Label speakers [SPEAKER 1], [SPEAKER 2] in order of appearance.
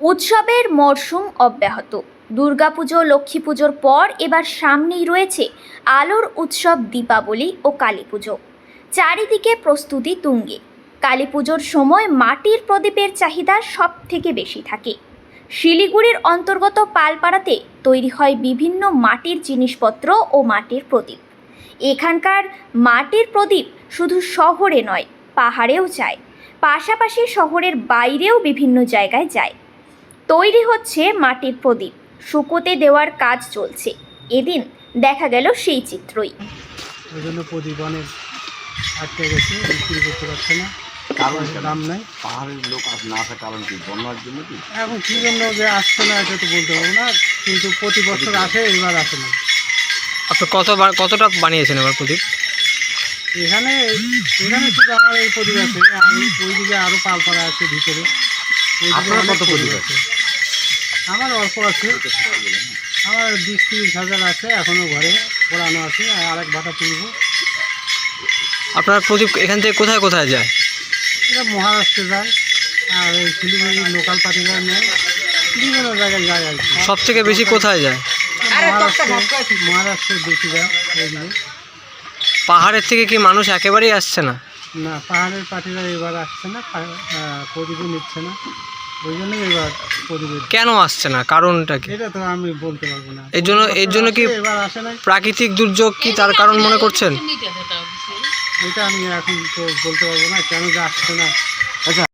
[SPEAKER 1] উৎসবের মরশুম অব্যাহত। দুর্গাপুজো লক্ষ্মী পুজোর পর এবার সামনেই রয়েছে আলোর উৎসব দীপাবলি ও কালী পুজো। চারিদিকে প্রস্তুতি তুঙ্গে। কালী পুজোর সময় মাটির প্রদীপের চাহিদা সব থেকে বেশি থাকে। শিলিগুড়ির অন্তর্গত পালপাড়াতে তৈরি হয় বিভিন্ন মাটির জিনিসপত্র ও মাটির প্রদীপ। এখানকার মাটির প্রদীপ শুধু শহরে নয়, পাহাড়েও যায়, পাশাপাশি শহরের বাইরেও বিভিন্ন জায়গায় যায়। তৈরি হচ্ছে মাটির প্রদীপ, শুকোতে দেওয়ার কাজ চলছে। এদিন দেখা গেল সেই চিত্রই।
[SPEAKER 2] ওই জন্য প্রদীপ অনেক আটকে গেছে, বিক্রি করতে পারছে না, কারণ দাম নাই।
[SPEAKER 3] পাহাড়ের লোক না আসার কারণ কি? বন্যার জন্য কি?
[SPEAKER 2] এখন কী জন্য যে আসছে না এটা তো বলতে পারবো না, কিন্তু প্রতি বছর আসে, এবার আসে না।
[SPEAKER 4] আপনি কতটা বানিয়েছেন এবার প্রদীপ?
[SPEAKER 2] এখানে শুধু আমার এই প্রদীপ আছে, আর ওইদিকে আরও পালপাড়া আছে ভিতরে।
[SPEAKER 3] আপনার কত প্রদীপ আছে?
[SPEAKER 2] আমার অল্প আছে, আমার 20-30 হাজার আছে, এখনও ঘরে পোড়ানো আছে, আর আরেক ভাটা তুলব।
[SPEAKER 4] আপনার প্রদীপ এখান থেকে কোথায় কোথায় যায়?
[SPEAKER 2] এটা মহারাষ্ট্রে যায়, আর এই শিলিগুড়ির লোকাল পার্টিরা নেয়, বিভিন্ন জায়গায় যায় আর কি।
[SPEAKER 4] সব থেকে বেশি কোথায় যায়?
[SPEAKER 2] মহারাষ্ট্রের বেশি যায় ওইদিকে।
[SPEAKER 4] পাহাড়ের থেকে কি মানুষ একেবারেই আসছে না?
[SPEAKER 2] না, পাহাড়ের পার্টিরা এবার আসছে না, প্রদীপও নিচ্ছে না, ওই জন্যই এবার প্রদীপের।
[SPEAKER 4] কেন আসছে না, কারণটা কি?
[SPEAKER 2] এটা তো আমি বলতে পারবো না।
[SPEAKER 4] এর জন্য কি
[SPEAKER 2] এবার আসে না,
[SPEAKER 4] প্রাকৃতিক দুর্যোগ কি তার কারণ মনে করছেন?
[SPEAKER 2] এটা আমি এখন তো বলতে পারবো না কেন যে আসছে না।